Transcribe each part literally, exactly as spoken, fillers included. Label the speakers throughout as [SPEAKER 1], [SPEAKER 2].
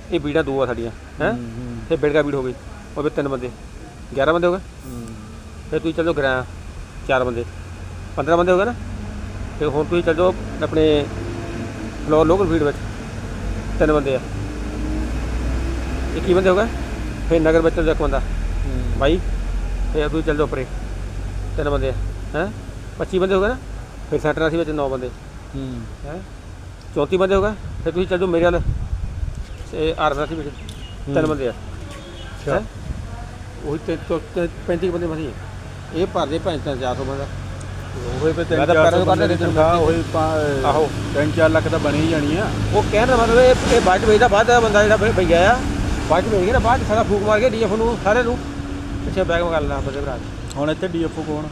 [SPEAKER 1] ये बीड़ा दो आ साड़ियाँ हैं, फिर बेड़ का बीड़ हो गई और फिर तीन बंदे ग्यारह बंदे हो गए। फिर तुम चल जाओ ग्रां चार बंदे पंद्रह बंदे हो गए ना। फिर हुण तुम चल जाओ अपने फ्लोर लोकल फीड में तीन बंदे आ इक्की बंदे हो गए। फिर नगर में चल जाओ एक बंदा भाई। फिर तुम चल जाओ उपरे तीन बंदे हैं पच्ची बंदे हो गए ना। फिर सैंटर राशि में नौ बंदे हैं चौंती बंदे हो गए। फिर तुम चल जाओ मेरे वाल आर राशि में तीन बंदे हैं वही पैंती बंदे मसी ये भरते भैंस तीन चार सौ बंदा आहो
[SPEAKER 2] तीन चार लख तो बनी ही जानी है।
[SPEAKER 1] वो कहने का मतलब ये बाद वेचदा बाद बंदा जो भैया आ बाद वेच गया ना बाद सारा फूक मार के डी एफ नूं सारे नूं पिछे बैग मंगा लेना बंदे भरा
[SPEAKER 2] हुण इत्थे डी एफ ओ कौन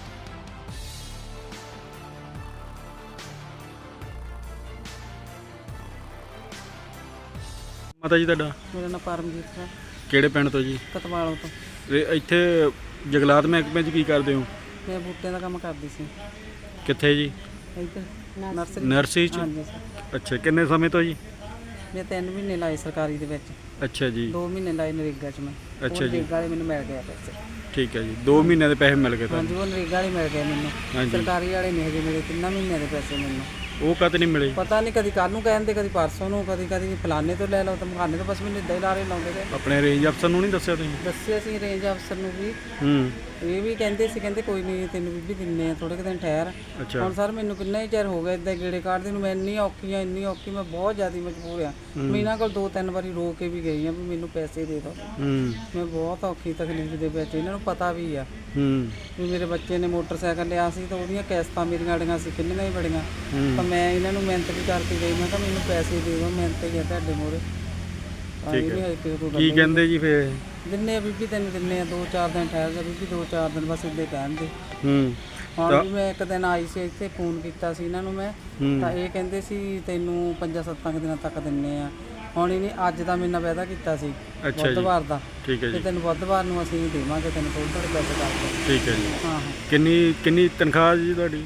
[SPEAKER 2] माता जी तुहाडा?
[SPEAKER 3] मेरा नाम परमजीत है।
[SPEAKER 2] ਕਿਹੜੇ ਪਿੰਡ ਤੋਂ ਜੀ?
[SPEAKER 3] ਕਤਵਾਲੋਂ ਤੋਂ।
[SPEAKER 2] ਤੇ ਇੱਥੇ ਜੰਗਲਾਤ ਮਹਿਕਮੇ 'ਚ ਕੀ ਕਰਦੇ ਹੋ?
[SPEAKER 3] ਮੈਂ ਬੂਟਿਆਂ ਦਾ ਕੰਮ ਕਰਦੀ ਸੀ।
[SPEAKER 2] ਕਿੱਥੇ ਜੀ?
[SPEAKER 3] ਇੱਧਰ ਨਰਸਰੀ
[SPEAKER 2] ਨਰਸਰੀ 'ਚ?
[SPEAKER 3] ਹਾਂਜੀ ਸਰ।
[SPEAKER 2] ਅੱਛਾ ਕਿੰਨੇ ਸਮੇਂ ਤੋਂ ਜੀ?
[SPEAKER 3] ਮੈਂ ਤਿੰਨ ਮਹੀਨੇ ਲਾਏ ਸਰਕਾਰੀ ਦੇ ਵਿੱਚ।
[SPEAKER 2] ਅੱਛਾ ਜੀ।
[SPEAKER 3] ਦੋ ਮਹੀਨੇ ਲਾਏ ਨਰੇਗਾ 'ਚ ਮੈਂ।
[SPEAKER 2] ਅੱਛਾ ਜੀ।
[SPEAKER 3] ਨਰੇਗਾ ਵਾਲੇ ਮੈਨੂੰ ਮਿਲ ਗਏ ਪੈਸੇ।
[SPEAKER 2] ਠੀਕ ਹੈ ਜੀ ਦੋ ਮਹੀਨਿਆਂ ਦੇ ਪੈਸੇ ਮਿਲ ਗਏ
[SPEAKER 3] ਹਾਂਜੀ
[SPEAKER 2] ਤੁਹਾਨੂੰ?
[SPEAKER 3] ਉਹ ਨਰੇਗਾ ਵਾਲੇ ਮਿਲ ਗਏ ਮੈਨੂੰ।
[SPEAKER 2] ਹਾਂਜੀ।
[SPEAKER 3] ਸਰਕਾਰੀ ਵਾਲੇ ਨਹੀਂ ਹਜੇ ਮਿਲੇ ਤਿੰਨਾਂ ਮਹੀਨਿਆਂ ਦੇ ਪੈਸੇ ਮੈਨੂੰ।
[SPEAKER 2] ਉਹ ਕਦ ਨਹੀਂ ਮਿਲੇ?
[SPEAKER 3] ਪਤਾ ਨਹੀਂ ਕਦੀ ਕੱਲ੍ਹ ਨੂੰ ਕਹਿੰਦੇ ਕਦੀ ਪਰਸੋਂ ਨੂੰ ਕਦੀ ਕਦੀ ਫਲਾਣੇ ਤੋਂ ਲੈ ਲਓ ਤਾਂ ਮਖਾਨੇ ਤੋਂ ਬਸ ਮੈਨੂੰ ਇੱਦਾਂ ਹੀ ਲਾਰੇ ਲਾਉਂਦੇ ਗਏ।
[SPEAKER 2] ਆਪਣੇ ਰੇਂਜ ਅਫਸਰ ਨੂੰ ਨਹੀਂ ਦੱਸਿਆ ਤੁਸੀਂ?
[SPEAKER 3] ਦੱਸਿਆ ਸੀ ਰੇਂਜ ਅਫਸਰ ਨੂੰ ਵੀ।
[SPEAKER 2] ਹੂੰ
[SPEAKER 3] ਇਹ ਵੀ ਕਹਿੰਦੇ ਸੀ ਕਹਿੰਦੇ ਕੋਈ ਨਹੀਂ ਤੈਨੂੰ ਬੀਬੀ ਦਿੰਨੇ ਆ ਥੋੜੇ ਕੁ ਦਿਨ ਠਹਿਰ।
[SPEAKER 2] ਅੱਛਾ
[SPEAKER 3] ਹੁਣ ਸਰ ਮੈਨੂੰ ਕਿੰਨਾ ਹੀ ਚਿਰ ਹੋ ਗਿਆ ਇੱਦਾਂ ਗੇੜੇ ਕੱਢਦੇ ਨੂੰ। ਮੈਂ ਇੰਨੀ ਔਖੀ ਆ ਇੰਨੀ ਔਖੀ ਮੈਂ ਬਹੁਤ ਜ਼ਿਆਦਾ ਮਜਬੂਰ ਆ। ਮੈਂ ਇਹਨਾਂ ਕੋਲ ਦੋ ਤਿੰਨ ਵਾਰੀ ਰੋ ਕੇ ਵੀ ਗਈ ਆ ਵੀ ਮੈਨੂੰ ਪੈਸੇ ਦੇ ਦਿਓ।
[SPEAKER 2] ਹੂੰ
[SPEAKER 3] ਮੈਂ ਬਹੁਤ ਔਖੀ ਤਕਲੀਫ ਦੇ ਵਿੱਚ ਇਹਨਾਂ ਨੂੰ ਪਤਾ ਵੀ ਆ
[SPEAKER 2] ਹੂੰ
[SPEAKER 3] ਵੀ ਮੇਰੇ ਬੱਚੇ ਨੇ ਮੋਟਰਸਾਈਕਲ ਲਿਆ ਸੀ ਤਾਂ ਉਹਦੀਆਂ ਕਿਸ਼ਤਾਂ ਮੇਰੀਆਂ ਅੜੀਆਂ ਸੀ ਕਿੰਨੀਆਂ ਹੀ ਬੜੀਆਂ। ਤਾਂ ਮੈਂ ਇਹਨਾਂ ਨੂੰ ਮਿਹਨਤ ਵੀ ਕਰਕੇ ਗਈ ਮੈਂ ਕਿਹਾ ਮੈਨੂੰ ਪੈਸੇ ਦੇ ਦਿਓ ਮਿਹਨਤ ਹੀ ਆ ਤੁਹਾਡੇ ਮੂਹਰੇ।
[SPEAKER 2] ਠੀਕ ਹੈ ਕੀ ਕਹਿੰਦੇ ਜੀ ਫਿਰ?
[SPEAKER 3] ਦਿੰਨੇ ਆ ਬੀਬੀ ਤੈਨੂੰ ਦਿੰਨੇ ਆ ਦੋ ਚਾਰ ਦਿਨ ਠਹਿਰ ਜਾ ਬੀਬੀ ਦੋ ਚਾਰ ਦਿਨ ਬਸ ਇੱਦਾਂ ਕਹਿੰਦੇ।
[SPEAKER 2] ਹੂੰ
[SPEAKER 3] ਹੁਣ ਵੀ ਮੈਂ ਇੱਕ ਦਿਨ ਆਈ ਸੀ ਇੱਥੇ ਫੋਨ ਕੀਤਾ ਸੀ ਇਹਨਾਂ ਨੂੰ ਮੈਂ ਤਾਂ ਇਹ ਕਹਿੰਦੇ ਸੀ ਤੈਨੂੰ ਪੰਜਾਂ ਸੱਤਾਂ ਕੁ ਦਿਨਾਂ ਤੱਕ ਦਿੰਨੇ ਆ। ਹੁਣ ਇਹਨੇ ਅੱਜ ਦਾ ਮੇਰੇ ਨਾਲ ਵਾਅਦਾ ਕੀਤਾ ਸੀ ਬੁੱਧਵਾਰ ਦਾ।
[SPEAKER 2] ਠੀਕ ਹੈ
[SPEAKER 3] ਤੇ
[SPEAKER 2] ਜੀ।
[SPEAKER 3] ਤੈਨੂੰ ਬੁੱਧਵਾਰ ਨੂੰ ਅਸੀਂ ਦੇਵਾਂਗੇ ਤੈਨੂੰ ਥੋੜ੍ਹੇ ਥੋੜ੍ਹੇ ਪੈਸੇ ਕਰਕੇ।
[SPEAKER 2] ਠੀਕ ਹੈ ਜੀ।
[SPEAKER 3] ਹਾਂ ਹਾਂ
[SPEAKER 2] ਕਿੰਨੀ ਕਿੰਨੀ ਤਨਖਾਹ ਜੀ ਤੁਹਾਡੀ?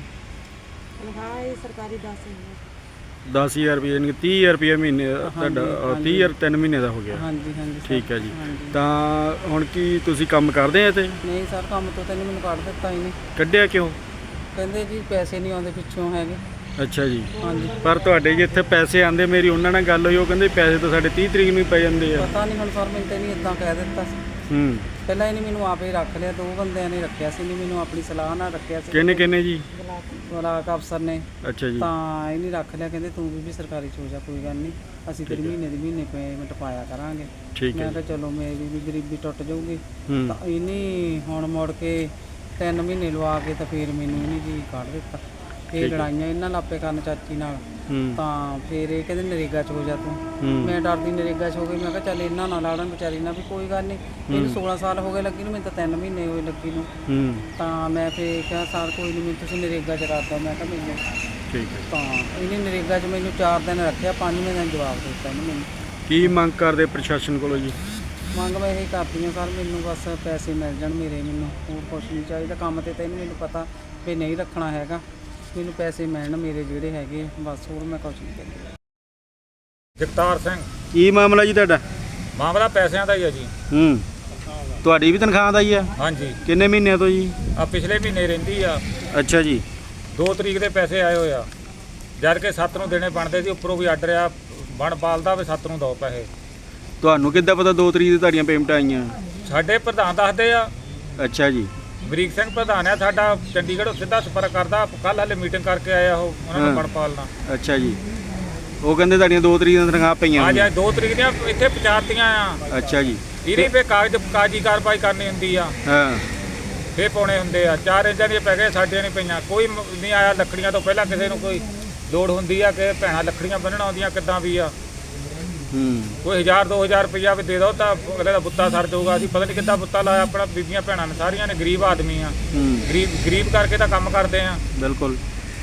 [SPEAKER 3] ਤਨਖਾਹ ਇਹ ਸਰਕਾਰੀ ਦਸ ਹਜ਼ਾਰ
[SPEAKER 2] ਦਸ ਹਜ਼ਾਰ ਰੁਪਏ ਯਾਨੀ ਕਿ ਤੀਹ ਹਜ਼ਾਰ ਰੁਪਏ ਮਹੀਨੇ ਦਾ ਤੁਹਾਡਾ ਤੀਹ ਹਜ਼ਾਰ ਤਿੰਨ ਮਹੀਨੇ ਦਾ ਹੋ ਗਿਆ।
[SPEAKER 3] ਹਾਂਜੀ ਹਾਂਜੀ ਸਰ।
[SPEAKER 2] ਠੀਕ ਹੈ ਜੀ।
[SPEAKER 3] ਹਾਂਜੀ।
[SPEAKER 2] ਤਾਂ ਹੁਣ ਕੀ ਤੁਸੀਂ ਕੰਮ ਕਰਦੇ ਆ ਇੱਥੇ?
[SPEAKER 3] ਨਹੀਂ ਸਰ ਕੰਮ ਤੋਂ ਤੈਨੂੰ ਮੈਨੂੰ ਕੱਢ ਦਿੱਤਾ ਇਹਨੇ।
[SPEAKER 2] ਕੱਢਿਆ ਕਿਉਂ?
[SPEAKER 3] ਕਹਿੰਦੇ ਜੀ ਪੈਸੇ ਨਹੀਂ ਆਉਂਦੇ ਪਿੱਛੋਂ ਹੈਗੇ।
[SPEAKER 2] ਅੱਛਾ ਜੀ।
[SPEAKER 3] ਹਾਂਜੀ
[SPEAKER 2] ਪਰ ਤੁਹਾਡੇ ਜੀ ਇੱਥੇ ਪੈਸੇ ਆਉਂਦੇ ਮੇਰੀ ਉਹਨਾਂ ਨਾਲ ਗੱਲ ਹੋਈ ਉਹ ਕਹਿੰਦੇ ਪੈਸੇ ਤਾਂ ਸਾਡੇ ਤੀਹ ਤਰੀਕ ਨੂੰ ਹੀ ਪੈ ਜਾਂਦੇ ਆ।
[SPEAKER 3] ਪਤਾ ਨਹੀਂ ਹੁਣ ਸਰ ਮੈਨੂੰ ਤਾਂ ਨਹੀਂ ਇੱਦਾਂ ਕਹਿ ਦਿੱਤਾ ਸੀ।
[SPEAKER 2] ਹੂੰ
[SPEAKER 3] ਪਹਿਲਾਂ ਇਹਨੇ ਮੈਨੂੰ ਆਪੇ ਰੱਖ ਲਿਆ ਦੋ ਬੰਦਿਆਂ ਨੇ ਰੱਖਿਆ ਸੀ ਨਹੀਂ ਮੈਨੂੰ ਆਪਣੀ ਸਲਾਹ ਨਾਲ ਰੱਖਿਆ ਸੀ।
[SPEAKER 2] ਕਿੰਨੇ ਕਿੰਨੇ ਜੀ?
[SPEAKER 3] ਬਲਾਕ ਅਫਸਰ ਨੇ।
[SPEAKER 2] ਅੱਛਾ ਜੀ।
[SPEAKER 3] ਤਾਂ ਇਹਨੇ ਰੱਖ ਲਿਆ ਕਹਿੰਦੇ ਤੂੰ ਵੀ ਸਰਕਾਰੀ ਚ ਹੋ ਜਾ ਕੋਈ ਗੱਲ ਨਹੀਂ ਅਸੀਂ ਤੇਰੀ ਮਹੀਨੇ ਦੀ ਮਹੀਨੇ ਪੇਮੈਂਟ ਪਾਇਆ ਕਰਾਂਗੇ।
[SPEAKER 2] ਠੀਕ ਹੈ।
[SPEAKER 3] ਮੈਂ ਕਿਹਾ ਚਲੋ ਮੇਰੀ ਵੀ ਗਰੀਬੀ ਟੁੱਟ ਜਾਊਗੀ।
[SPEAKER 2] ਹੂੰ
[SPEAKER 3] ਤਾਂ ਇਹਨੇ ਹੁਣ ਮੁੜ ਕੇ ਤਿੰਨ ਮਹੀਨੇ ਲਵਾ ਕੇ ਤਾਂ ਫਿਰ ਮੈਨੂੰ ਇਹਨੇ ਜੀ ਕੱਢ ਦਿੱਤਾ। ਇਹ ਲੜਾਈਆਂ ਇਹਨਾਂ ਲਾਪੇ ਕਰਨ ਚਾਚੀ ਨਾਲ।
[SPEAKER 2] ਹੂੰ
[SPEAKER 3] ਤਾਂ ਫਿਰ ਇਹ ਕਹਿੰਦੇ ਨਰੇਗਾ ਚ ਹੋ ਜਾ ਤੂੰ।
[SPEAKER 2] ਹੂੰ
[SPEAKER 3] ਮੈਂ ਡਰਦੀ ਨਰੇਗਾ ਚ ਹੋ ਗਈ ਮੈਂ ਕਿਹਾ ਚੱਲ ਇਹਨਾਂ ਨਾਲ ਲੜਨ ਵਿਚਾਰੀ ਨਾਲ ਵੀ ਕੋਈ ਗੱਲ ਨਹੀਂ। ਇਹਨੂੰ ਸੋਲਾਂ ਸਾਲ ਹੋ ਗਏ ਲੱਗੀ ਨੂੰ ਮੈਨੂੰ ਤਾਂ ਤਿੰਨ ਮਹੀਨੇ ਹੋਏ ਲੱਗੀ ਨੂੰ।
[SPEAKER 2] ਹੂੰ
[SPEAKER 3] ਤਾਂ ਮੈਂ ਫਿਰ ਕਿਹਾ ਸਰ ਕੋਈ ਨਹੀਂ ਮੈਨੂੰ ਤੁਸੀਂ ਨਰੇਗਾ ਚ ਕਰ ਦਿਓ ਮੈਂ ਕਿਹਾ ਮੈਨੂੰ।
[SPEAKER 2] ਠੀਕ ਹੈ।
[SPEAKER 3] ਤਾਂ ਇਹਨੇ ਨਰੇਗਾ 'ਚ ਮੈਨੂੰ ਚਾਰ ਦਿਨ ਰੱਖਿਆ ਪੰਜਵੇਂ ਦਿਨ ਜਵਾਬ ਦਿੱਤਾ ਇਹਨੇ ਮੈਨੂੰ।
[SPEAKER 2] ਕੀ ਮੰਗ ਕਰਦੇ ਪ੍ਰਸ਼ਾਸਨ ਕੋਲੋਂ ਜੀ?
[SPEAKER 3] ਮੰਗ ਮੈਂ ਇਹ ਕਰਦੀ ਹਾਂ ਸਰ ਮੈਨੂੰ ਬਸ ਪੈਸੇ ਮਿਲ ਜਾਣ ਮੇਰੇ ਮੈਨੂੰ ਹੋਰ ਕੁਛ ਨਹੀਂ ਚਾਹੀਦਾ। ਕੰਮ ਤੇ ਤਾਂ ਇਹਨੂੰ ਮੈਨੂੰ ਪਤਾ ਵੀ ਨਹੀਂ ਰੱਖਣਾ ਹੈਗਾ ਮੈਨੂੰ ਪੈਸੇ ਮਿਲਣ ਮੇਰੇ ਜਿਹੜੇ ਹੈਗੇ ਬਸ ਹੋਰ ਮੈਂ ਕੁਛ ਨਹੀਂ ਕਹਿੰਦੀ।
[SPEAKER 4] ਜਗਤਾਰ ਸਿੰਘ।
[SPEAKER 2] ਕੀ ਮਾਮਲਾ ਜੀ ਤੁਹਾਡਾ?
[SPEAKER 4] ਮਾਮਲਾ ਪੈਸਿਆਂ ਦਾ ਹੀ ਹੈ ਜੀ।
[SPEAKER 2] ਹੂੰ ਤੁਹਾਡੀ ਵੀ ਤਨਖਾਹ ਦਾ ਹੀ ਆ?
[SPEAKER 4] ਹਾਂਜੀ।
[SPEAKER 2] ਕਿੰਨੇ ਮਹੀਨਿਆਂ ਤੋਂ ਜੀ?
[SPEAKER 4] ਆ ਪਿਛਲੇ ਮਹੀਨੇ ਰਹਿੰਦੀ ਆ।
[SPEAKER 2] ਅੱਛਾ ਜੀ।
[SPEAKER 4] ਦੋ ਤਰੀਕ ਦੇ ਪੈਸੇ ਆਏ ਹੋਏ ਆ ਜਦ ਕਿ ਸੱਤ ਨੂੰ ਦੇਣੇ ਬਣਦੇ ਸੀ ਉੱਪਰੋਂ ਵੀ ਆਰਡਰ ਆ ਬਣ ਪਾਲਦਾ ਵੀ ਸੱਤ ਨੂੰ ਦਿਓ ਪੈਸੇ।
[SPEAKER 2] ਤੁਹਾਨੂੰ ਕਿੱਦਾਂ ਪਤਾ ਦੋ ਤਰੀਕ ਦੀ ਤੁਹਾਡੀਆਂ ਪੇਮੈਂਟਾਂ ਆਈਆਂ?
[SPEAKER 4] ਸਾਡੇ ਪ੍ਰਧਾਨ ਦੱਸਦੇ ਆ।
[SPEAKER 2] ਅੱਛਾ ਜੀ।
[SPEAKER 4] ਬਰੀਕ ਸਿੰਘ ਪ੍ਰਧਾਨ ਆ ਸਾਡਾ ਚੰਡੀਗੜ੍ਹੋਂ ਸਿੱਧਾ ਸੰਪਰਕ ਕਰਦਾ ਕੱਲ੍ਹ ਹਾਲੇ ਮੀਟਿੰਗ ਕਰਕੇ ਆਇਆ ਉਹ ਉਹਨਾਂ ਨੂੰ ਬਣ ਪਾਲਣਾ।
[SPEAKER 2] ਅੱਛਾ ਜੀ। ਉਹ ਕਹਿੰਦੇ ਤੁਹਾਡੀਆਂ ਦੋ ਤਰੀਕ ਦੀਆਂ ਤਨਖਾਹ ਪਈਆਂ?
[SPEAKER 4] ਆ ਜਾ ਦੋ ਤਰੀਕ ਦੀਆਂ ਇੱਥੇ ਪਹੁੰਚਾਤੀਆਂ ਆ।
[SPEAKER 2] ਅੱਛਾ ਜੀ।
[SPEAKER 4] ਇਹਨੇ ਫੇ ਕਾਗਜ਼ ਕਾਜੀ ਕਾਰਵਾਈ ਕਰਨੀ ਹੁੰਦੀ ਆ
[SPEAKER 2] ਹਾਂ
[SPEAKER 4] ਫੇ ਪਾਉਣੇ ਹੁੰਦੇ ਆ। ਚਾਰ ਇੰਚਾਂ ਦੀਆਂ ਪੈ ਗਏ ਸਾਡੀਆਂ ਨਹੀਂ ਪਈਆਂ ਕੋਈ ਨਹੀਂ ਆਇਆ। ਲੱਕੜੀਆਂ ਤੋਂ ਪਹਿਲਾਂ ਕਿਸੇ ਨੂੰ ਕੋਈ ਲੋੜ ਹੁੰਦੀ ਆ ਕਿ ਭੈਣਾਂ ਲੱਕੜੀਆਂ ਬੰਨਣ ਆਉਂਦੀਆਂ ਕਿੱਦਾਂ ਵੀ ਆ
[SPEAKER 2] ਹੂੰ
[SPEAKER 4] ਕੋਈ ਹਜ਼ਾਰ ਦੋ ਹਜ਼ਾਰ ਰੁਪਈਆ ਵੀ ਦੇ ਦਿਓ ਤਾਂ ਅਗਲੇ ਦਾ ਬੁੱਤਾ ਸਰ ਜਾਊਗਾ। ਅਸੀਂ ਪਤਾ ਨਹੀਂ ਕਿੱਦਾਂ ਬੁੱਤਾ ਲਾਇਆ ਆਪਣਾ ਬੀਬੀਆਂ ਭੈਣਾਂ ਨੇ ਸਾਰੀਆਂ ਨੇ ਗਰੀਬ ਆਦਮੀ ਆ। ਗਰੀਬ ਗਰੀਬ ਕਰਕੇ ਤਾਂ ਕੰਮ ਕਰਦੇ ਆ।
[SPEAKER 2] ਬਿਲਕੁਲ।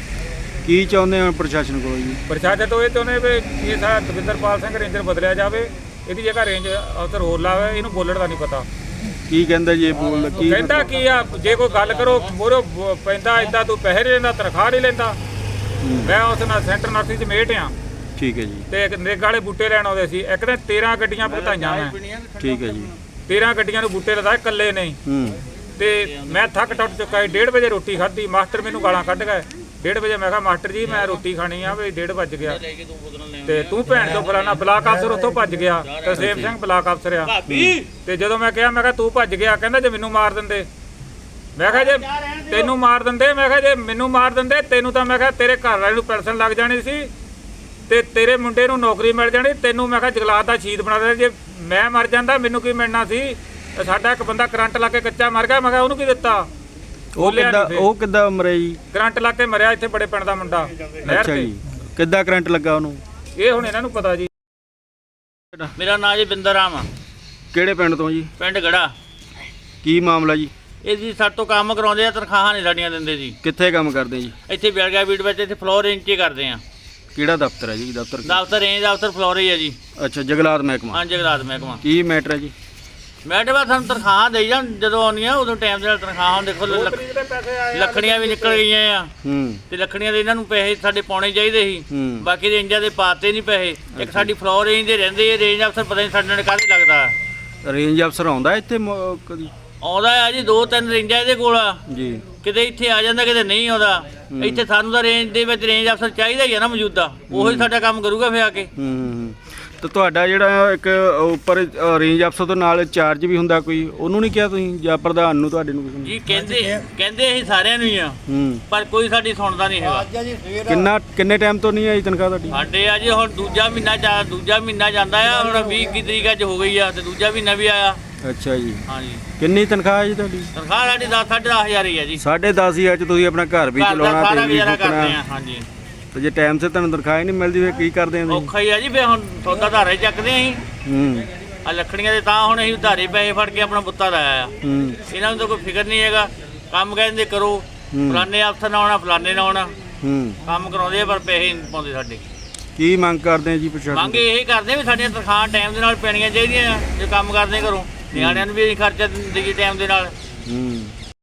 [SPEAKER 2] ਕੀ ਚਾਹੁੰਦੇ ਹੋ ਪ੍ਰਸ਼ਾਸਨ ਕੋਲੋਂ ਜੀ?
[SPEAKER 4] ਪ੍ਰਸ਼ਾਸਨ ਤੋਂ ਇਹ ਚਾਹੁੰਦੇ ਵੀ ਇਹ ਸਾਡਾ ਦਵਿੰਦਰਪਾਲ ਸਿੰਘ ਰੇਂਜਰ ਬਦਲਿਆ ਜਾਵੇ ਇਹਦੀ ਜਗ੍ਹਾ ਰੇਂਜ ਅਫਸਰ ਹੋਰ ਲਾਵੇ। ਇਹਨੂੰ ਬੋਲਣ ਦਾ ਨਹੀਂ ਪਤਾ
[SPEAKER 2] ਕੀ ਕਹਿੰਦਾ ਜੀ? ਇਹ ਬੋਲ ਕੀ
[SPEAKER 4] ਕਹਿੰਦਾ ਕੀ ਆ ਜੇ ਕੋਈ ਗੱਲ ਕਰੋ ਮੋਰੋ ਪੈਂਦਾ ਇਦਾਂ ਤੂੰ ਪੈਸੇ ਨਹੀਂ ਲੈਂਦਾ ਤਨਖਾਹ ਨਹੀਂ ਲੈਂਦਾ। ਮੈਂ ਉਸ ਨਾਲ ਸੈਂਟਰ ਨਰਸਰੀ 'ਚ ਮੇਟ ਆ
[SPEAKER 2] ਠੀਕ ਹੈ ਜੀ।
[SPEAKER 4] ਤੇ ਇੱਕ ਨਰੇਗਾ ਵਾਲੇ ਬੂਟੇ ਲੈਣ ਆਉਂਦੇ ਸੀ। ਇੱਕ ਦਿਨ ਤੇਰਾਂ ਗੱਡੀਆਂ ਭੁਗਤਾਈਆਂ ਮੈਂ,
[SPEAKER 2] ਠੀਕ ਹੈ ਜੀ।
[SPEAKER 4] ਤੇਰਾਂ ਗੱਡੀਆਂ ਨੂੰ ਬੂਟੇ ਲਦਾਏ ਇਕੱਲੇ ਨਹੀਂ।
[SPEAKER 2] ਹੂੰ
[SPEAKER 4] ਤੇ ਮੈਂ ਥੱਕ ਟੁੱਟ ਚੁੱਕਾ ਸੀ। ਡੇਢ ਵਜੇ ਰੋਟੀ ਖਾਧੀ, ਮਾਸਟਰ ਮੈਨੂੰ ਗਾਲਾਂ ਕੱਢ ਗਏ। ਡੇਢ ਵਜੇ ਮੈਂ ਕਿਹਾ ਮਾਸਟਰ ਜੀ ਮੈਂ ਰੋਟੀ ਖਾਣੀ ਆ ਵੀ ਡੇਢ ਵੱਜ ਗਿਆ ਤੇ ਤੂੰ ਭੈਣ ਤੋਂ ਫਲਾਣਾ ਬਲਾਕ ਅਫਸਰ ਉੱਥੋਂ ਭੱਜ ਗਿਆ। ਤਰਸੇਮ ਸਿੰਘ ਬਲਾਕ ਅਫਸਰ ਆ। ਤੇ ਜਦੋਂ ਮੈਂ ਕਿਹਾ ਮੈਂ ਕਿਹਾ ਤੂੰ ਭੱਜ ਗਿਆ, ਕਹਿੰਦਾ ਜੇ ਮੈਨੂੰ ਮਾਰ ਦਿੰਦੇ। ਮੈਂ ਕਿਹਾ ਜੇ ਤੈਨੂੰ ਮਾਰ ਦਿੰਦੇ, ਮੈਂ ਕਿਹਾ ਜੇ ਮੈਨੂੰ ਮਾਰ ਦਿੰਦੇ ਤੈਨੂੰ ਤਾਂ ਮੈਂ ਕਿਹਾ ਤੇਰੇ ਘਰ ਵਾਲੇ ਨੂੰ ਪੈਨਸ਼ਨ ਲੱਗ ਜਾਣੀ ਸੀ ਤੇ ਤੇਰੇ ਮੁੰਡੇ ਨੂੰ ਨੌਕਰੀ ਮਿਲ ਜਾਣੀ। ਤੈਨੂੰ ਮੈਂ ਕਿਹਾ ਜਗਲਾਤ ਦਾ ਸ਼ਹੀਦ ਬਣਾ ਦੇ। ਜੇ ਮੈਂ ਮਰ ਜਾਂਦਾ ਮੈਨੂੰ ਕੀ ਮਿਲਣਾ ਸੀ? ਸਾਡਾ ਇੱਕ ਬੰਦਾ ਕਰੰਟ ਲਾ ਕੇ ਕੱਚਾ ਮਰ ਗਿਆ। ਮੈਂ ਕਿਹਾ ਉਹਨੂੰ ਕੀ ਦਿੱਤਾ?
[SPEAKER 2] ਉਹ ਕਿੱਦਾਂ ਉਹ ਕਿੱਦਾਂ ਮਰਿਆ ਜੀ?
[SPEAKER 4] ਕਰੰਟ ਲਾ ਕੇ ਮਰਿਆ ਇੱਥੇ ਬੜੇ ਪਿੰਡ ਦਾ ਮੁੰਡਾ ਨਹਿਰ
[SPEAKER 2] ਅੱਛਾ
[SPEAKER 4] ਤੇ।
[SPEAKER 2] ਜੀ, ਕਿੱਦਾਂ ਕਰੰਟ ਲੱਗਾ ਉਹਨੂੰ?
[SPEAKER 4] ਇਹ ਹੁਣ ਇਹਨਾਂ ਨੂੰ ਪਤਾ ਜੀ।
[SPEAKER 5] ਮੇਰਾ ਨਾਂ ਜੀ ਬਿੰਦਰ ਰਾਮ ਆ,
[SPEAKER 2] ਕਿਹੜੇ ਪਿੰਡ ਤੋਂ ਜੀ?
[SPEAKER 5] ਪਿੰਡ ਗੜਾ।
[SPEAKER 2] ਕੀ ਮਾਮਲਾ ਜੀ?
[SPEAKER 5] ਇਹ ਜੀ ਸਾਡੇ ਤੋਂ ਕੰਮ ਕਰਾਉਂਦੇ ਆ, ਤਨਖਾਹਾਂ ਨਹੀਂ ਸਾਡੀਆਂ ਦਿੰਦੇ ਜੀ।
[SPEAKER 2] ਕਿੱਥੇ ਕੰਮ ਕਰਦੇ ਜੀ?
[SPEAKER 5] ਇੱਥੇ ਬਿਲਗਾ ਬੀਟ ਵਿੱਚ ਇੱਥੇ ਫਲੋਰ ਰੇਂਜ 'ਚ ਕਰਦੇ ਆ।
[SPEAKER 2] ਕਿਹੜਾ ਦਫ਼ਤਰ ਹੈ ਜੀ? ਦਫ਼ਤਰ
[SPEAKER 5] ਦਫ਼ਤਰ ਰੇਂਜ ਦਫ਼ਤਰ ਫਲੋਰ ਹੀ ਆ ਜੀ।
[SPEAKER 2] ਅੱਛਾ, ਜਗਲਾਤ ਮਹਿਕਮਾ।
[SPEAKER 5] ਹਾਂ ਜਗਰਾਤ ਮਹਿਕਮਾ।
[SPEAKER 2] ਕੀ ਮੈਟਰ ਹੈ ਜੀ?
[SPEAKER 5] ਮੈਡਮ ਆ ਸਾਨੂੰ ਤਨਖਾਹਾਂ ਦੇਈ ਜਾਣ, ਜਦੋਂ ਆਉਂਦੀਆਂ ਉਦੋਂ ਟਾਈਮ ਦੇ ਨਾਲ ਤਨਖਾਹਾਂ। ਦੇਖੋ ਲੱਕ- ਲੱਕੜੀਆਂ ਵੀ ਨਿਕਲ ਗਈਆਂ ਆ
[SPEAKER 2] ਹੂੰ
[SPEAKER 5] ਤੇ ਲੱਕੜੀਆਂ ਦੇ ਇਹਨਾਂ ਨੂੰ ਪੈਸੇ ਸਾਡੇ ਪਾਉਣੇ ਚਾਹੀਦੇ ਸੀ।
[SPEAKER 2] ਹੂੰ
[SPEAKER 5] ਬਾਕੀ ਰੇਂਜਾਂ ਦੇ ਪਾਤੇ ਨਹੀਂ ਪੈਸੇ। ਇੱਕ ਸਾਡੀ ਫਲੋਰ ਰੇਂਜ ਦੇ ਰਹਿੰਦੇ ਆ, ਰੇਂਜ ਅਫਸਰ ਪਤਾ ਨਹੀਂ ਸਾਡੇ ਨਾਲ ਕਾਹਦੇ ਲੱਗਦਾ।
[SPEAKER 2] ਰੇਂਜ ਅਫਸਰ ਆਉਂਦਾ ਇੱਥੇ ਮ- ਕਦੀ?
[SPEAKER 5] ਆਉਂਦਾ ਆ ਜੀ, ਦੋ ਤਿੰਨ ਰੇਂਜਾਂ ਇਹਦੇ ਕੋਲ ਆ।
[SPEAKER 2] ਜੀ।
[SPEAKER 5] ਕਿਤੇ ਇੱਥੇ ਆ ਜਾਂਦਾ, ਕਿਤੇ ਨਹੀਂ ਆਉਂਦਾ। ਇੱਥੇ ਸਾਨੂੰ ਤਾਂ ਰੇਂਜ ਦੇ ਵਿੱਚ ਰੇਂਜ ਅਫਸਰ ਚਾਹੀਦਾ ਹੀ ਆ ਨਾ ਮੌਜੂਦਾ, ਉਹੀ ਸਾਡਾ ਕੰਮ ਕਰੂਗਾ ਫਿਰ ਆ ਕੇ।
[SPEAKER 2] ਹੂੰ ਹੂੰ ਤੇ ਤੁਹਾਡਾ ਜਿਹੜਾ ਇੱਕ ਉੱਪਰ ਰੇਂਜ ਅਫਸਰ ਤੋਂ ਨਾਲ ਚਾਰਜ ਵੀ ਹੁੰਦਾ ਕੋਈ, ਉਹਨੂੰ ਨਹੀਂ ਕਿਹਾ ਤੁਸੀਂ ਜਾਂ ਪ੍ਰਧਾਨ ਨੂੰ ਤੁਹਾਡੇ ਨੂੰ ਕਿਸੇ ਨੂੰ?
[SPEAKER 5] ਜੀ ਕਹਿੰਦੇ ਕਹਿੰਦੇ ਅਸੀਂ ਸਾਰਿਆਂ ਨੂੰ ਹੀ ਆ,
[SPEAKER 2] ਹੂੰ
[SPEAKER 5] ਪਰ ਕੋਈ ਸਾਡੀ ਸੁਣਦਾ ਨਹੀਂ ਹੈਗਾ।
[SPEAKER 2] ਕਿੰਨਾ ਕਿੰਨੇ ਟਾਈਮ ਤੋਂ ਨਹੀਂ ਆਈ ਤਨਖਾਹ ਤੁਹਾਡੀ?
[SPEAKER 5] ਸਾਡੇ ਆ ਜੀ ਹੁਣ ਦੂਜਾ ਮਹੀਨਾ ਜਾ ਦੂਜਾ ਮਹੀਨਾ ਜਾਂਦਾ ਆ। ਹੁਣ ਵੀਹ ਇੱਕੀ ਤਰੀਕ ਅੱਜ ਹੋ ਗਈ ਆ ਤੇ ਦੂਜਾ ਮਹੀਨਾ ਵੀ ਆਇਆ।
[SPEAKER 2] ਅੱਛਾ ਜੀ।
[SPEAKER 5] ਹਾਂਜੀ,
[SPEAKER 2] ਕਿੰਨੀ ਤਨਖਾਹ ਹੈ ਜੀ ਤੁਹਾਡੀ?
[SPEAKER 5] ਤਨਖਾਹ ਸਾਡੀ ਦਸ ਸਾਢੇ ਦਸ ਹਜ਼ਾਰ ਹੀ ਆ ਜੀ।
[SPEAKER 2] ਸਾਢੇ ਦਸ ਹਜ਼ਾਰ ਚ ਤੁਸੀਂ ਆਪਣਾ ਘਰ ਵੀ
[SPEAKER 5] ਘਰ ਦਾ
[SPEAKER 2] ਚਲਾਉਣਾ
[SPEAKER 5] ਸਾਰਾ
[SPEAKER 2] ਤੇ ਵੀ
[SPEAKER 5] ਗੁਜ਼ਾਰਾ ਕਰਦੇ
[SPEAKER 2] ਫੂਕਣਾ।
[SPEAKER 5] ਆ। ਹਾਂਜੀ,
[SPEAKER 2] ਤੇ ਜੇ ਟਾਈਮ ਸਿਰ ਤੁਹਾਨੂੰ ਤਨਖਾਹ ਹੀ ਨਹੀਂ ਮਿਲਦੀ ਫਿਰ ਕੀ ਕਰਦੇ ਆਂ ਤੁਸੀਂ?
[SPEAKER 5] ਔਖਾ ਹੀ ਆ ਜੀ। ਫਿਰ ਹੁਣ ਸੌਦਾ ਧਾਰੇ ਚੱਕਦੇ ਆ ਅਸੀਂ
[SPEAKER 2] ਹੂੰ
[SPEAKER 5] ਆ ਲੱਕੜੀਆਂ ਦੇ, ਤਾਂ ਹੁਣ ਅਸੀਂ ਧਾਰੇ ਪੈਸੇ ਫੜ ਕੇ ਆਪਣਾ ਬੁੱਤਾ ਲਾਇਆ ਆ।
[SPEAKER 2] ਹੂੰ
[SPEAKER 5] ਇਹਨਾਂ ਨੂੰ ਤਾਂ ਕੋਈ ਫਿਕਰ ਨਹੀਂ ਹੈਗਾ। ਕੰਮ ਕਹਿੰਦੇ ਕਰੋ, ਫਲਾਣੇ ਅਫਸਰ ਨਾਲ ਆਉਣਾ ਫਲਾਣੇ ਨਾਲ ਆਉਣਾ,
[SPEAKER 2] ਹੂੰ
[SPEAKER 5] ਕੰਮ ਕਰਾਉਂਦੇ ਆ ਪਰ ਪੈਸੇ ਨਹੀਂ ਪਾਉਂਦੇ ਸਾਡੇ।
[SPEAKER 2] ਕੀ ਮੰਗ ਕਰਦੇ ਆ ਜੀ ਪ੍ਰਸ਼ਾਸਨ?
[SPEAKER 5] ਮੰਗ ਇਹ ਕਰਦੇ ਵੀ ਸਾਡੀਆਂ ਤਨਖਾਹਾਂ ਟਾਈਮ ਦੇ ਨਾਲ ਪੈਣੀਆਂ ਚਾਹੀਦੀਆਂ ਆ। ਜੇ ਕੰਮ ਕਰਦੇ ਘਰੋਂ, ਨਿਆਣਿਆਂ ਨੂੰ ਵੀ ਅਸੀਂ ਖਰਚਾ ਦੇਈਏ ਟਾਈਮ ਦੇ ਨਾਲ।
[SPEAKER 2] ਹੂੰ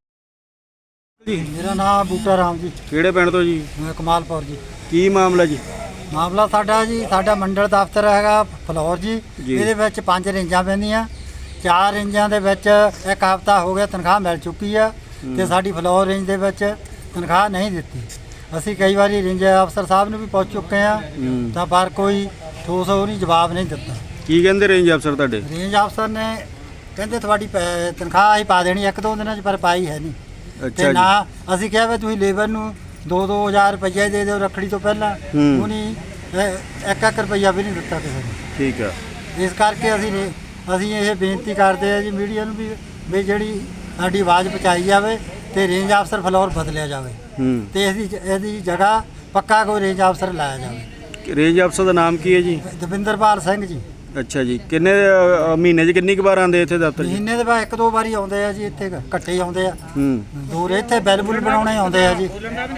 [SPEAKER 2] ਜੀ।
[SPEAKER 3] ਮੇਰਾ ਨਾਮ ਬੂਟਾ ਰਾਮ ਜੀ,
[SPEAKER 2] ਕਿਹੜੇ ਪਿੰਡ ਤੋਂ ਜੀ?
[SPEAKER 3] ਮੈਂ ਕਮਾਲਪੁਰ ਜੀ।
[SPEAKER 2] ਕੀ ਮਾਮਲਾ ਜੀ?
[SPEAKER 3] ਮਾਮਲਾ ਸਾਡਾ ਜੀ, ਸਾਡਾ ਮੰਡਲ ਦਫ਼ਤਰ ਹੈਗਾ ਫਲੋਰ ਜੀ।
[SPEAKER 2] ਜੀ।
[SPEAKER 3] ਇਹਦੇ ਵਿੱਚ ਪੰਜ ਰੇਂਜਾਂ ਪੈਂਦੀਆਂ। ਚਾਰ ਰੇਂਜਾਂ ਦੇ ਵਿੱਚ ਇੱਕ ਹਫ਼ਤਾ ਹੋ ਗਿਆ ਤਨਖਾਹ ਮਿਲ ਚੁੱਕੀ ਆ ਤੇ ਸਾਡੀ ਫਲੋਰ ਰੇਂਜ ਦੇ ਵਿੱਚ ਤਨਖਾਹ ਨਹੀਂ ਦਿੱਤੀ। ਅਸੀਂ ਕਈ ਵਾਰੀ ਰੇਂਜ ਅਫਸਰ ਸਾਹਿਬ ਨੂੰ ਵੀ ਪੁੱਛ ਚੁੱਕੇ ਆ
[SPEAKER 2] ਹੂੰ
[SPEAKER 3] ਤਾਂ ਪਰ ਕੋਈ ਠੋਸ ਉਹਨੇ ਜਵਾਬ ਨਹੀਂ ਦਿੱਤਾ।
[SPEAKER 2] ਕੀ ਕਹਿੰਦੇ ਰੇਂਜ ਅਫਸਰ ਤੁਹਾਡੇ?
[SPEAKER 3] ਰੇਂਜ ਅਫਸਰ ਨੇ ਕਹਿੰਦੇ ਤੁਹਾਡੀ ਪੈ- ਤਨਖਾਹ ਅਸੀਂ ਪਾ ਦੇਣੀ ਇੱਕ ਦੋ ਦਿਨਾਂ 'ਚ, ਪਰ ਪਾਈ ਹੈ ਨਹੀਂ।
[SPEAKER 2] ਅੱਛਾ
[SPEAKER 3] ਤੇ
[SPEAKER 2] ਜੀ।
[SPEAKER 3] ਨਾ ਅਸੀਂ ਕਿਹਾ ਵੀ ਤੁਸੀਂ ਲੇਬਰ ਨੂੰ ਦੋ ਦੋ ਹਜ਼ਾਰ ਰੁਪਈਆ ਦੇ ਦਿਓ ਰੱਖੜੀ ਤੋਂ ਪਹਿਲਾਂ।
[SPEAKER 2] ਹੂੰ।
[SPEAKER 3] ਉਹਨੇ ਇਹ ਇੱਕ ਇੱਕ ਰੁਪਈਆ ਵੀ ਨਹੀਂ ਦਿੱਤਾ ਕਿਸੇ ਨੂੰ।
[SPEAKER 2] ਠੀਕ ਆ।
[SPEAKER 3] ਇਸ ਕਰਕੇ ਅਸੀਂ ਨੇ- ਅਸੀਂ ਇਹ ਬੇਨਤੀ ਕਰਦੇ ਆ ਜੀ ਮੀਡੀਆ ਨੂੰ ਵੀ ਵੀ ਜਿਹੜੀ ਸਾਡੀ ਆਵਾਜ਼ ਪਹੁੰਚਾਈ ਜਾਵੇ ਤੇ ਰੇਂਜ ਅਫਸਰ ਫਲੋਰ ਬਦਲਿਆ ਜਾਵੇ
[SPEAKER 2] ਹੂੰ
[SPEAKER 3] ਤੇ ਇਹਦੀ ਇਹਦੀ ਜਗ੍ਹਾ ਪੱਕਾ ਕੋਈ ਰੇਂਜ ਅਫਸਰ ਲਾਇਆ ਜਾਵੇ।
[SPEAKER 2] ਰੇਂਜ ਅਫਸਰ ਦਾ ਨਾਮ ਕੀ ਹੈ ਜੀ?
[SPEAKER 3] ਦਵਿੰਦਰਪਾਲ ਸਿੰਘ ਜੀ।
[SPEAKER 2] ਅੱਛਾ ਜੀ। ਕਿੰਨੇ ਅ, ਮਹੀਨੇ 'ਚ ਕਿੰਨੀ ਕੁ ਵਾਰ ਆਉਂਦੇ ਇੱਥੇ ਦਫ਼ਤਰ ਜੀ?
[SPEAKER 3] ਮਹੀਨੇ ਦੇ ਬਾਅਦ ਇੱਕ ਦੋ ਵਾਰੀ ਆਉਂਦੇ ਆ ਜੀ, ਇੱਥੇ ਇਕੱਠੇ ਹੀ ਆਉਂਦੇ ਆ।
[SPEAKER 2] ਹੂੰ
[SPEAKER 3] ਦੂਰ ਇੱਥੇ ਬਿੱਲ ਬੁੱਲ ਬਣਾਉਣੇ ਆਉਂਦੇ ਆ ਜੀ।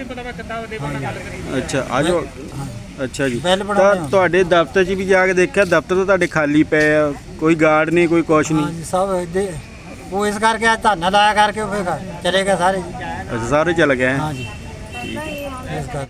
[SPEAKER 2] ਅੱਛਾ ਆਜੋ। ਅੱਛਾ ਜੀ।
[SPEAKER 3] ਬਿੱਲ
[SPEAKER 2] ਤਾਂ
[SPEAKER 3] ਬਣਾਉਣੇ ਆਉਂਦੇ।
[SPEAKER 2] ਤੁਹਾਡੇ ਦਫ਼ਤਰ 'ਚ ਵੀ ਜਾ ਕੇ ਦੇਖਿਆ, ਦਫ਼ਤਰ ਤਾਂ ਤੁਹਾਡੇ ਖਾਲੀ ਪਏ ਆ, ਕੋਈ ਗਾਰਡ ਨਹੀਂ, ਕੋਈ ਕੁਛ ਨਹੀਂ।
[SPEAKER 3] ਹਾਂਜੀ ਸਭ ਇਹਦੇ ਉਹ ਇਸ ਕਰਕੇ ਅੱਜ ਧਰਨਾ ਲਾਇਆ ਕਰਕੇ ਉਹ ਫਿਰ ਚਲੇ ਗਏ ਸਾਰੇ ਜੀ।
[SPEAKER 2] ਅੱਛਾ ਸਾਰੇ ਚੱਲ ਗਏ ਹੈਂ?
[SPEAKER 3] ਹਾਂਜੀ
[SPEAKER 2] ਠੀਕ ਹੈ।
[SPEAKER 3] ਇਸ ਕਰਕੇ